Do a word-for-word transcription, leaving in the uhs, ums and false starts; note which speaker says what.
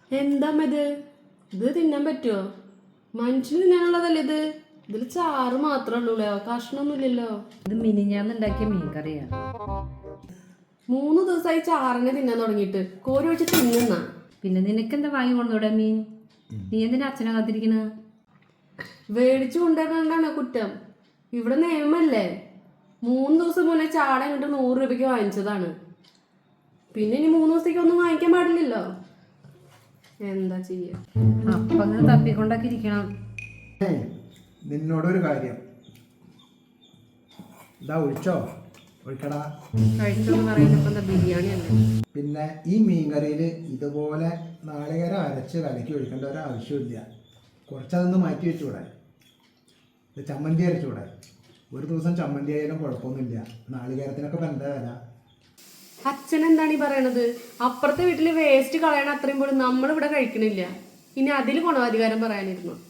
Speaker 1: എന്താ ഇത് ഇത് തിന്നാൻ പറ്റുമോ? മനുഷ്യന് തിന്നാനുള്ളതല്ലേ ഇത്? ഇതിൽ ചാറ് മാത്രമേ ഉള്ളൂ, കഷ്ണമൊന്നുമില്ലല്ലോ.
Speaker 2: ഇത് മിനിഞ്ഞാന്നുണ്ടാക്കിയ മീൻ കറിയാ.
Speaker 1: മൂന്ന് ദിവസമായി ചാറിനെ തിന്നാൻ തുടങ്ങിയിട്ട്. കോരി ഒഴിച്ച് തിന്നുന്ന.
Speaker 2: പിന്നെ നിനക്കെന്താ വാങ്ങി കൊണ്ടുവിടെ മീൻ? നീ എന്തിനാ അച്ഛനെ കാത്തിരിക്കണ?
Speaker 1: മേടിച്ചു കൊണ്ടുവരണ്ടാണ് കുറ്റം. ഇവിടെ നിയമല്ലേ. മൂന്ന് ദിവസം മുന്നേ ചാട ഇങ്ങോട്ട് നൂറ് രൂപയ്ക്ക് വാങ്ങിച്ചതാണ്. പിന്നെ ഇനി മൂന്ന് ദിവസത്തേക്ക് ഒന്നും വാങ്ങിക്കാൻ പാടില്ലല്ലോ. എന്താ ചെയ്യാ?
Speaker 2: അപ്പൊ അങ്ങനെ തപ്പിക്കൊണ്ടൊക്കെ ഇരിക്കണം.
Speaker 3: നിന്നോടൊരു കാര്യം, ഇതാ ഒഴിച്ചോ, ഒഴിക്കടാ.
Speaker 1: കഴിച്ചോന്ന് പറയുന്നപ്പോ എന്താ ബിരിയാണി അല്ലേ?
Speaker 3: പിന്നെ ഈ മീൻകറിയിൽ ഇതുപോലെ നാളികേരം അരച്ച് കലക്കി ഒഴിക്കേണ്ട ഒരു ആവശ്യമില്ല. കുറച്ചതൊന്ന് മാറ്റി വെച്ചുകൂടെ? ഇത് ചമ്മന്തി അരച്ചുകൂടെ? ഒരു ദിവസം ചമ്മന്തി ആയാലും കുഴപ്പമൊന്നുമില്ല. നാളികേരത്തിനൊക്കെ ഇപ്പം എന്താ വില?
Speaker 1: അച്ഛൻ എന്താണ് ഈ പറയണത്? അപ്പുറത്തെ വീട്ടില് വേസ്റ്റ് കളയണ അത്രയും പോലും നമ്മളിവിടെ കഴിക്കണില്ല. ഇനി അതിൽ ഗുണാധികാരം പറയാനിരുന്നു.